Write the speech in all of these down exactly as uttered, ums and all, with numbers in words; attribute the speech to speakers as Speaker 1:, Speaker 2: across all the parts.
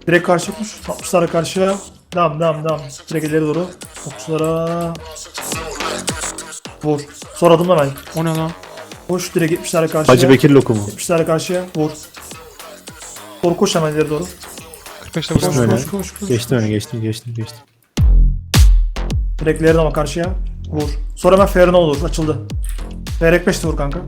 Speaker 1: Direkt karşı koş. altmışlara karşıya. Devam devam devam. Direkt ileri doğru. Okçulara. Vur. Sonra adımla ben.
Speaker 2: O ne lan?
Speaker 1: Koş direkt yetmişlere karşıya.
Speaker 3: Hacı Bekir lokumu.
Speaker 1: yetmişlere karşıya. Vur. Doğru koş hemen ileri doğru.
Speaker 2: kırk beşte
Speaker 1: Koş
Speaker 3: Geçtim
Speaker 2: vursun.
Speaker 3: öne.
Speaker 1: koş koş koş.
Speaker 3: Geçtim öne geçtim geçtim geçtim.
Speaker 1: Direkt ileri ama karşıya. Vur. Sonra hemen Ferno olur. Açıldı. Ferek beşte vur kanka.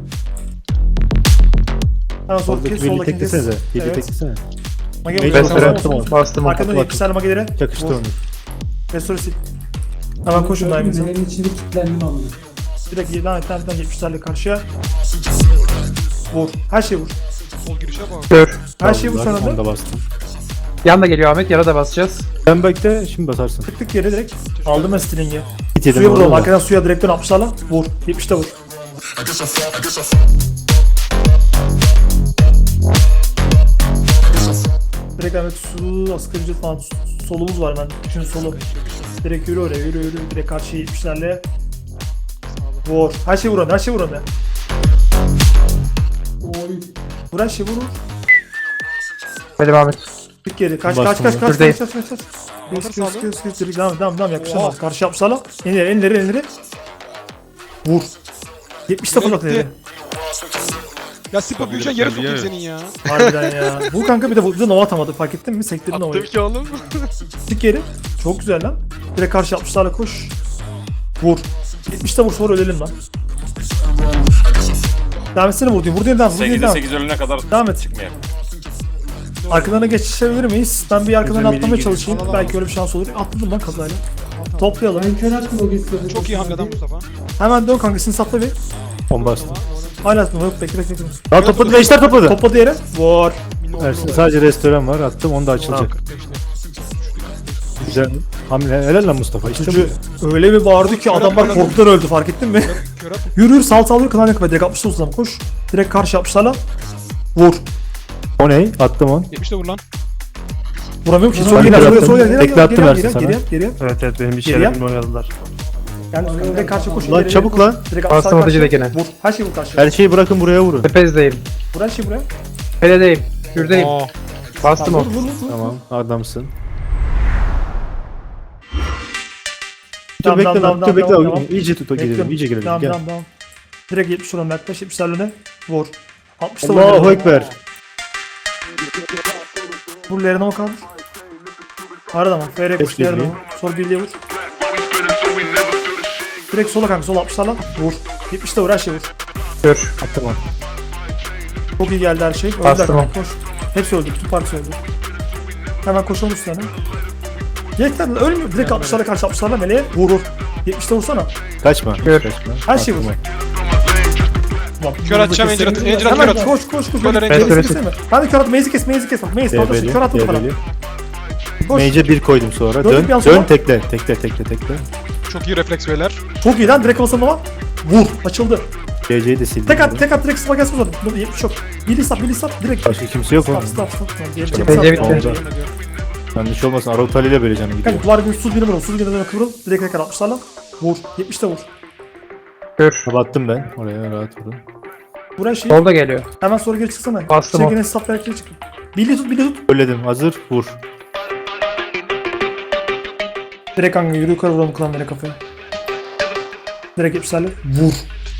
Speaker 1: Hemen sol
Speaker 3: Soldaki
Speaker 1: kes.
Speaker 3: birliği
Speaker 1: Soldaki kes.
Speaker 3: teklesenize. Birliği
Speaker 1: Evet.
Speaker 3: teklesene.
Speaker 1: Mage
Speaker 3: Mage
Speaker 1: vur.
Speaker 3: Restore
Speaker 1: Bastım
Speaker 3: attım
Speaker 1: onu.
Speaker 4: Bastım.
Speaker 1: Arkadan
Speaker 3: Attım.
Speaker 1: yetmişler mage ileri.
Speaker 3: Çakıştı
Speaker 1: Vur.
Speaker 3: onu.
Speaker 1: Restore sil. Hemen koşun daimimize.
Speaker 5: Nerenin içinde kilitlendim amına.
Speaker 1: Direkt yediden etten yetmişlerle karşıya. Vur. Her şeyi vur.
Speaker 2: Sol girişe bak.
Speaker 4: Kör.
Speaker 1: Her şeyi vur
Speaker 3: Aldılar,
Speaker 1: sana
Speaker 3: onu
Speaker 1: da.
Speaker 3: da bastım.
Speaker 4: Yan da geliyor Ahmet. Yara da basacağız.
Speaker 3: Ben bekle şimdi basarsın.
Speaker 1: Tık tık yere direkt. Aldım ben string'i.
Speaker 3: Hit yedim
Speaker 1: Suya
Speaker 3: orada
Speaker 1: vurdum.
Speaker 3: da.
Speaker 1: Arkadan suya direkten altmışlarla. Vur. yetmişte vur. Direkt Ahmet su, asgari ücret falan su- solumuz var hemen. Üçün solu. Direkt yürü oraya, yürü yürü. Direkt karşıya yetmişlerle. Vur. Her şey vur her şey vur ona.
Speaker 5: Oy.
Speaker 1: Vur her şey vur. vur.
Speaker 4: Hadi Ahmet.
Speaker 1: Tık geri. Kaç
Speaker 3: Bastım
Speaker 1: kaç kaç
Speaker 3: ya.
Speaker 1: kaç
Speaker 4: Şuradayım.
Speaker 1: kaç kaç kaç.
Speaker 2: Motor
Speaker 1: Sıkıyor
Speaker 2: sağlı.
Speaker 1: sıkıyor sıkıyor. Direkt devam devam devam yaklaşamaz.
Speaker 2: Oha.
Speaker 1: Karşı yapsala. Enleri enleri enleri. Vur. yetmişte
Speaker 2: Nereye
Speaker 1: fırlat
Speaker 2: gitti?
Speaker 1: enleri.
Speaker 2: Ya Sipa büyüyeceksin yere sokayım senin ya.
Speaker 1: Harbiden ya. Bu kanka bir de bu bir de nova atamadı fark ettin mi? Sektirdin
Speaker 2: Attım
Speaker 1: novayı.
Speaker 2: ki oğlum.
Speaker 1: Tık geri. Çok güzel lan. Direkt karşı yapmışlarla koş. Vur. yetmişte vur sonra ölelim lan. Devam etsene vur diyor. Vur diyor devam. Vur diyor
Speaker 6: sekizde
Speaker 1: devam.
Speaker 6: sekiz ölene kadar
Speaker 1: Devam et.
Speaker 6: çıkmayalım.
Speaker 1: Arkalarına geçişebilir miyiz? Ben bir arkadan
Speaker 3: Bizim
Speaker 1: atlamaya
Speaker 3: milli
Speaker 1: çalışayım.
Speaker 2: gidiyor.
Speaker 1: Belki öyle bir şans olur. Atladım lan kazayla. Toplayalım.
Speaker 5: Ben kör attım o geçti.
Speaker 2: Çok iyi hamleden Mustafa.
Speaker 1: Hemen dön kankasını sapla bir.
Speaker 3: on bastım.
Speaker 1: Hala atma yok bekle bekle bekle.
Speaker 3: Daha topladı beşler topladı.
Speaker 1: Topladı yere. Vur.
Speaker 3: Ersin sadece restoran var attım onu da açılacak.
Speaker 1: Tamam.
Speaker 3: Güzel. Hamle helal lan Mustafa işte
Speaker 1: Çocuğu
Speaker 3: bu.
Speaker 1: öyle bir bağırdı ki adamlar
Speaker 2: atma.
Speaker 1: korkudan öldü fark ettin mi?
Speaker 2: Kör at.
Speaker 1: Yürü yürü sal sal yürü kılan yakma direkt altmışta uzun koş. Direkt karşı yapmışlarla. Vur.
Speaker 3: O ne? Attım on.
Speaker 2: yetmişte vur lan.
Speaker 1: Vuramıyorum ki.
Speaker 3: Ben
Speaker 1: Sol
Speaker 3: bir
Speaker 1: geri
Speaker 3: kere
Speaker 1: sol
Speaker 3: attım.
Speaker 1: sol geri
Speaker 3: Tekle
Speaker 1: geri
Speaker 3: attım
Speaker 1: geri
Speaker 3: Ersin
Speaker 1: geri
Speaker 3: sana.
Speaker 1: geri geri.
Speaker 7: Evet evet benim bir
Speaker 1: Geri yap.
Speaker 7: şeylerimle oynadılar.
Speaker 1: Yani direkt karşı koş.
Speaker 3: Lan
Speaker 1: ileri,
Speaker 3: çabuk
Speaker 1: ileri
Speaker 3: lan.
Speaker 1: koş. Direkt
Speaker 4: Bastım
Speaker 1: altmışlar
Speaker 4: atıcı
Speaker 1: karşı.
Speaker 4: dekine.
Speaker 1: Vur. Her şeyi vur karşı.
Speaker 3: Her şeyi bırakın buraya vurun.
Speaker 4: Tepezdeyim.
Speaker 1: Vur her şeyi buraya.
Speaker 4: Peledeyim. Kürdeyim.
Speaker 2: Aa.
Speaker 4: Bastım
Speaker 1: Vur
Speaker 4: o.
Speaker 1: vur vur. vur.
Speaker 3: Tamam adamsın. Dur
Speaker 1: Tamam,
Speaker 3: bekle
Speaker 1: tamam,
Speaker 3: lan dur
Speaker 1: tamam,
Speaker 3: bekle.
Speaker 1: tamam, tamam.
Speaker 3: İyice tut o girelim
Speaker 1: Bekliyorum.
Speaker 3: iyice girelim.
Speaker 1: Devam
Speaker 3: Gel.
Speaker 1: devam devam. Direkt yetmiş oran yaklaş yetmişlerle ne? Vur. altmışta vur.
Speaker 3: Allahu
Speaker 1: Vur.
Speaker 3: Ekber.
Speaker 1: Vur Lerine o kaldır. Arada mı? F R koş
Speaker 3: Kes
Speaker 1: Lerine
Speaker 3: birliği.
Speaker 1: vur. Sonra birliğe vur. Direkt sola kanka sol altmışlarla vur. yetmişte vur her şey vur.
Speaker 4: Kör.
Speaker 3: Attım on.
Speaker 1: Çok iyi geldi her şey. Öldüler
Speaker 4: Bastım
Speaker 1: kanka koş. Hepsi öldü. Bütün partisi öldü. Hemen koşalım üstüne. Yeter lan ölmüyor. Direkt altmışlara karşı altmışlarla meleğe vur vur. yetmişte vursana.
Speaker 3: Kaçma.
Speaker 4: Kör.
Speaker 3: Kaçma.
Speaker 1: Her şey
Speaker 3: Attım
Speaker 1: vur.
Speaker 3: on.
Speaker 1: Ulan,
Speaker 2: Kör atacağım,
Speaker 1: kesin-
Speaker 2: Angel at- Angel at,
Speaker 1: Hemen
Speaker 2: kör at.
Speaker 1: koş koş koş.
Speaker 2: Kör at,
Speaker 1: Maze'i
Speaker 4: Angel at.
Speaker 1: kesene. Hadi kör at. Maze'i kes. Maze'i kes. Bak Maze kaldırsın.
Speaker 3: Debeli.
Speaker 1: Kör atmadı bana.
Speaker 3: Debeli.
Speaker 1: Koş.
Speaker 3: Mage'e bir koydum sonra.
Speaker 1: Döndük
Speaker 3: Dön.
Speaker 1: bir an
Speaker 3: Dön
Speaker 1: sonra.
Speaker 3: tekle. Tekle tekle tekle.
Speaker 2: Çok iyi refleks beyler.
Speaker 1: Çok iyi lan. Direkt basalım ama. Vur. Açıldı.
Speaker 3: C C'yi de sildim.
Speaker 1: Tek at. Tek at. Direkt sıma gelsin o zaman. Dur, yetmiş yok. Bili sap. Bili sap. Direkt.
Speaker 3: Başka kimse yok
Speaker 1: Stop
Speaker 3: oğlum.
Speaker 1: stop stop. Tamam, geri
Speaker 3: Çok
Speaker 1: çek,
Speaker 4: Bence
Speaker 1: stop.
Speaker 4: bitti.
Speaker 3: Oldu. Yanlış olmasın. Arotali ile böyle canım gidiyor.
Speaker 1: Kanka duvar bir sus birine vur. Sus birine kıvrıl. Direkt tekrar altmışlarla. Vur. yetmişte vur.
Speaker 4: Kör.
Speaker 3: Kapattım ben. Oraya rahat vurun.
Speaker 1: Buraya şey.
Speaker 4: Solda geliyor.
Speaker 1: Hemen sonra geri çıksana.
Speaker 4: Bastım o.
Speaker 1: Çekine hesap ver geri çık. Bili tut. Bili tut.
Speaker 3: Söyledim. Hazır. Vur.
Speaker 1: Direkt kanka yürü yukarı vuralım klanlara kafaya. Direkt yetmişlerle. Vur.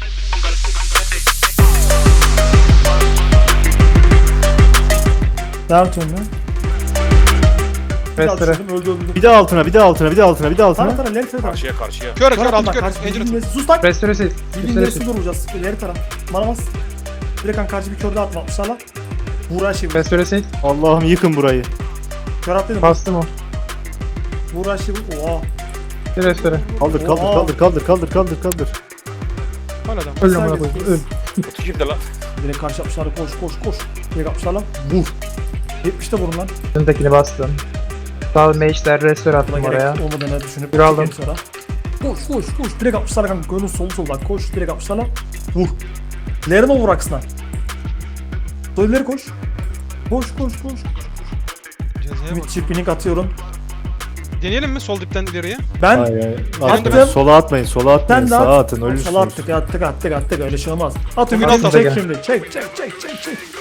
Speaker 1: Devam et önüne. Bir daha
Speaker 4: Restore.
Speaker 1: düşürdüm, öldü öldü.
Speaker 3: Bir de altına, bir de altına, bir de altına, bir de
Speaker 1: Tara
Speaker 3: altına.
Speaker 1: tara ileri tara.
Speaker 6: Karşıya karşıya.
Speaker 2: Kör kör
Speaker 1: Kör
Speaker 2: altı
Speaker 1: atma
Speaker 2: kör.
Speaker 1: karşı
Speaker 2: Angel at.
Speaker 1: bildiğin sus lan.
Speaker 4: Restore sil.
Speaker 1: Bildiğin
Speaker 4: Restore
Speaker 1: neresinde
Speaker 4: sil.
Speaker 1: vuracağız. İleri tara. Bana bas. Direkt kanka karşı bir kör daha atma atmışlarla. Vur her şeyi vur.
Speaker 4: Restore sil.
Speaker 3: Allah'ım yıkın burayı.
Speaker 1: Kör at dedim.
Speaker 4: Bastım o.
Speaker 1: Vur her şeyi vur. Oha.
Speaker 4: Restore.
Speaker 3: Kaldır, kaldır,
Speaker 1: Oha.
Speaker 3: kaldır, kaldır, kaldır, kaldır, kaldır.
Speaker 2: Hala adam.
Speaker 4: Öl amına koyayım. Öl.
Speaker 6: Kutu kimde lan?
Speaker 1: Direkt karşı yapmışlarla koş koş koş. Direkt yapmışlarla. Vur. yetmişte vurun lan.
Speaker 4: Önündekini bastım. Sağ mage'ler restore
Speaker 1: Buna
Speaker 4: attım
Speaker 1: gerek
Speaker 4: oraya.
Speaker 1: olmadığını düşünüp
Speaker 4: Bir aldım.
Speaker 1: çekelim sonra. Koş koş koş. Direkt yapmışlarla kanka. Gönül solu soldan koş. Direkt yapmışlarla. Vur. Lerine vur aksına. Sol ileri koş. Koş koş koş.
Speaker 2: Cezaya bak.
Speaker 1: Ümit çiftliğini atıyorum.
Speaker 2: Deneyelim mi sol dipten ileriye?
Speaker 1: Ben
Speaker 3: Hayır, hayır.
Speaker 1: Attım.
Speaker 3: Atmayın, sola atmayın, sola atmayın,
Speaker 1: Sen de
Speaker 3: sağa
Speaker 1: at.
Speaker 3: atın,
Speaker 1: Sala
Speaker 3: ölürsünüz.
Speaker 1: attık attık attık attık öyle şey olmaz. At
Speaker 2: Hemen
Speaker 1: Ümit'i
Speaker 2: at,
Speaker 1: çek
Speaker 4: at.
Speaker 1: şimdi. Çek çek çek çek çek.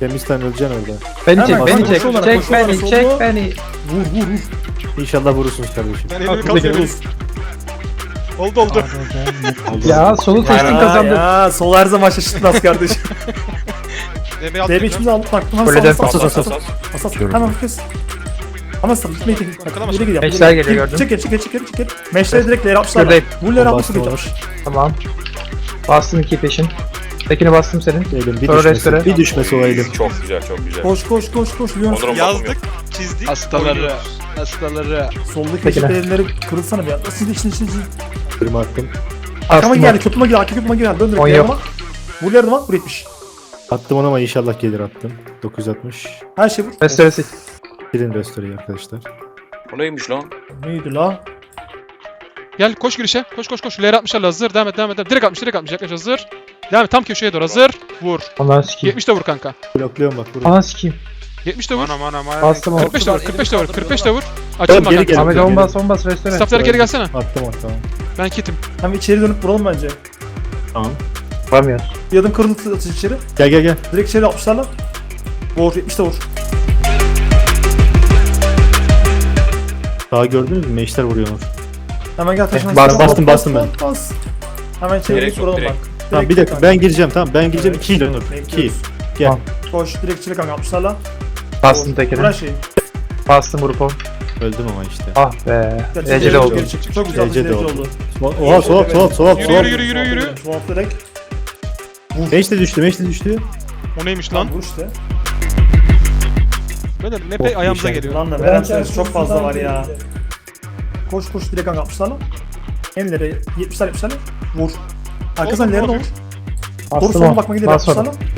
Speaker 3: Temizden öleceksin orada.
Speaker 4: Beni
Speaker 1: Hemen,
Speaker 4: çek,
Speaker 1: hemen
Speaker 4: beni çek.
Speaker 1: koşuyorlar,
Speaker 4: Çek
Speaker 1: koşuyorlar,
Speaker 4: beni,
Speaker 1: solda.
Speaker 4: çek beni.
Speaker 1: Vur vur vur.
Speaker 3: İnşallah vurursunuz kardeşim.
Speaker 2: Ben elimi
Speaker 1: Bak,
Speaker 2: kaldırıyorum.
Speaker 1: vur.
Speaker 2: Oldu oldu.
Speaker 4: Ya solu seçtim
Speaker 1: Ya,
Speaker 4: kazandım.
Speaker 1: ya sol her zaman şaşırtmaz kardeşim.
Speaker 2: D B
Speaker 1: D B
Speaker 2: aldık.
Speaker 1: içimizi aldık baktım. Hemen
Speaker 4: Kuleden
Speaker 1: sağ sağ
Speaker 3: asas,
Speaker 1: sağ
Speaker 3: asas.
Speaker 1: sağ. Asas. Hemen kes. Ama sağ gitmeyi tek.
Speaker 2: Arkalamaz.
Speaker 1: Geri gidiyor.
Speaker 4: Meşler geliyor, gördün.
Speaker 1: Çık geri çık geri çık geri çık geri. Meşleri direkt layer'e atmışlar.
Speaker 4: Şuradayım.
Speaker 1: Bu layer'e
Speaker 3: Bastım
Speaker 1: atmışlar.
Speaker 3: onu.
Speaker 4: Tamam. Bastım iki peşin. Tekini bastım senin.
Speaker 3: Elim bir
Speaker 4: Sonra
Speaker 3: düşmesi.
Speaker 4: restore.
Speaker 3: Bir düşmesi o elim.
Speaker 6: Çok güzel çok güzel.
Speaker 1: Koş koş koş koş. Leon.
Speaker 6: Onur'un
Speaker 2: Yazdık, çizdik.
Speaker 7: Hastaları,
Speaker 2: oynuyoruz.
Speaker 7: hastaları.
Speaker 1: Soldaki
Speaker 4: Peki
Speaker 1: yeşil
Speaker 4: ne?
Speaker 1: belirleri kırılsana bir anda. Şimdi içine içine içine.
Speaker 3: Kırma attım.
Speaker 1: Arkama
Speaker 4: Bastım.
Speaker 1: geldi. Köprüme geldi. Arka köprüme geldi. Dön direkt
Speaker 4: On
Speaker 1: layer'e
Speaker 4: yok.
Speaker 1: bak. Bu layer'e bak. Bu yetmiş.
Speaker 3: Attım onu ama inşallah gelir attım. dokuz yüz altmış.
Speaker 1: Her şey vur.
Speaker 4: Restore sil.
Speaker 3: Silin restore'yi arkadaşlar.
Speaker 6: O neymiş lan?
Speaker 1: Neydi la?
Speaker 2: Gel koş girişe. Koş koş koş. L altmışlarla hazır. Devam et devam et. Direkt altmış direkt altmış. Yaklaş hazır. Devam et tam köşeye doğru hazır. Vur.
Speaker 4: Ondan sikeyim.
Speaker 2: yetmiş de vur kanka.
Speaker 3: Blokluyorum bak buraya.
Speaker 4: Ana sikeyim.
Speaker 2: yetmiş de vur.
Speaker 4: Bastım onu.
Speaker 2: kırk beş de vur. kırk beş de vur. kırk beş de vur.
Speaker 3: Oğlum,
Speaker 2: Açılma
Speaker 3: geri gel.
Speaker 2: kanka.
Speaker 4: Ahmet on bas on bas restore.
Speaker 2: Staflara geri gelsene.
Speaker 3: Attım onu tamam.
Speaker 2: Ben kitim.
Speaker 1: Hem içeri dönüp vuralım bence.
Speaker 3: Tamam.
Speaker 4: Vuramıyoruz.
Speaker 1: Bir adım kırıldı atış içeri.
Speaker 3: Gel gel gel.
Speaker 1: Direkt içeri atmışlarla. Vur. yetmiş de vur.
Speaker 3: Daha gördünüz mü? Meşler vuruyorlar.
Speaker 1: Hemen gel taşın.
Speaker 4: Eh, bas,
Speaker 3: bastım, bastım ben.
Speaker 1: Bas. Hemen içeri
Speaker 6: Direkt
Speaker 1: direkt vuralım
Speaker 6: sok,
Speaker 1: bak.
Speaker 3: Tamam bir
Speaker 1: Direkt
Speaker 3: dakika ben gireceğim tamam ben gireceğim iki ile Onur. iki.
Speaker 1: Bekliyoruz.
Speaker 3: Gel.
Speaker 4: Tamam.
Speaker 1: Koş direkt içeri kanka atmışlarla.
Speaker 4: Bastım
Speaker 1: Vur.
Speaker 4: tekini.
Speaker 1: Vur her şeyi.
Speaker 4: Bastım vurup on.
Speaker 3: Öldüm ama işte.
Speaker 4: Ah be.
Speaker 1: Gel,
Speaker 4: Eceli
Speaker 1: geri
Speaker 4: oldu.
Speaker 1: geri çık. Çok güzel
Speaker 3: Eceli
Speaker 1: eceli
Speaker 3: oldu.
Speaker 1: oldu.
Speaker 3: Oha soğuk soğuk soğuk
Speaker 2: Yürü,
Speaker 3: soğuk.
Speaker 2: yürü, yürü, yürü, yürü.
Speaker 1: Soğuk direkt.
Speaker 3: Meş de düştü meş de düştü.
Speaker 2: O neymiş
Speaker 1: Lan
Speaker 2: lan?
Speaker 1: vur işte.
Speaker 2: Böyle
Speaker 3: Çok
Speaker 2: mepe ayağımıza
Speaker 3: iyi
Speaker 2: geliyor.
Speaker 1: Lan da veren sayısı çok fazla var ya. Koş koş direkt kanka atmışlarla. Enlere yetmişler yetmişler. Vur. Arkasından
Speaker 2: Oldu,
Speaker 1: ileride
Speaker 2: oldu.
Speaker 1: vur. Doğru
Speaker 4: Bastım
Speaker 1: soluna
Speaker 4: on.
Speaker 1: bakma gidiyor
Speaker 4: Basmadım.
Speaker 1: yapmışlarla.